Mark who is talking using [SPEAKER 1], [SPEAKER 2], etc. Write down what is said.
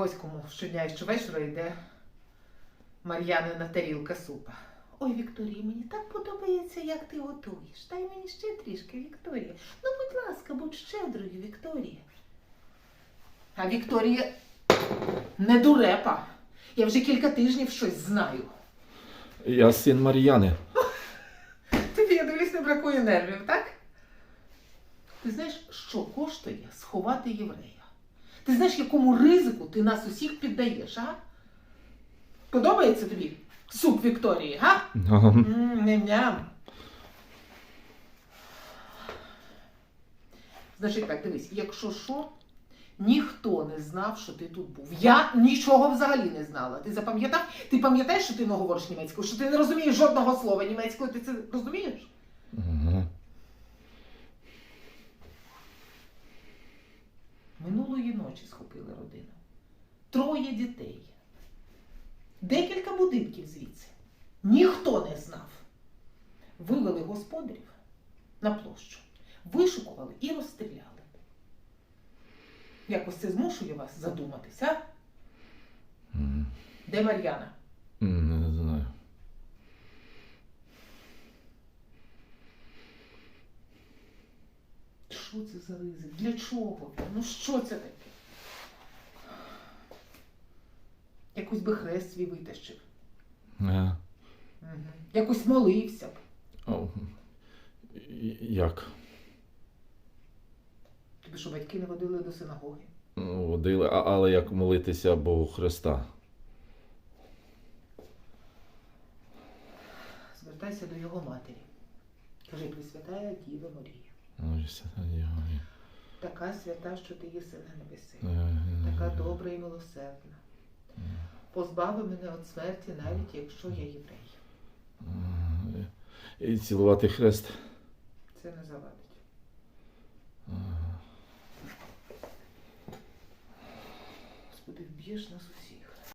[SPEAKER 1] ось кому щодня і щовечора йде Мар'янина тарілка супа. Ой, Вікторія, мені так подобається, як ти готуєш. Дай мені ще трішки, Вікторія. Ну, будь ласка, будь щедрою, Вікторія. А Вікторія не дурепа. Я вже кілька тижнів щось знаю.
[SPEAKER 2] Я син Мар'яни.
[SPEAKER 1] Тобі, я дивлюсь, не бракує нервів, так? Ти знаєш, що коштує сховати єврея? Ти знаєш, якому ризику ти нас усіх піддаєш, а? Подобається тобі суп Вікторії, га? Ням-ням. Значить так, дивись, якщо що, ніхто не знав, що ти тут був. Я нічого взагалі не знала. Ти запам'ятав? Ти пам'ятаєш, що ти не говориш німецькою? Що ти не розумієш жодного слова німецькою? Ти це розумієш?
[SPEAKER 2] Угу.
[SPEAKER 1] Минулої ночі схопили родину. 3 дітей. Декілька будинків звідси. Ніхто не знав. Вивели господарів на площу. Вишукували і розстріляли. Якось це змушує вас задуматись, а? Де Мар'яна?
[SPEAKER 2] Не знаю.
[SPEAKER 1] Що це за ризик? Для чого? Ну що це таке? Якось би хрест свій витащив. Угу. Якось молився б.
[SPEAKER 2] Як?
[SPEAKER 1] Тобі що, батьки не водили до синагоги?
[SPEAKER 2] Ну, водили, але як молитися Богу Христа?
[SPEAKER 1] Звертайся до його матері. Кажи, Пресвятая Діва Марія.
[SPEAKER 2] Ой, Свята Діва Марія.
[SPEAKER 1] Така свята, що ти єси на небесі. Така добра і милосердна. Позбави мене від смерті, навіть якщо я єврей.
[SPEAKER 2] І цілувати хрест?
[SPEAKER 1] Це не завадить. Господи, вб'єш нас усіх.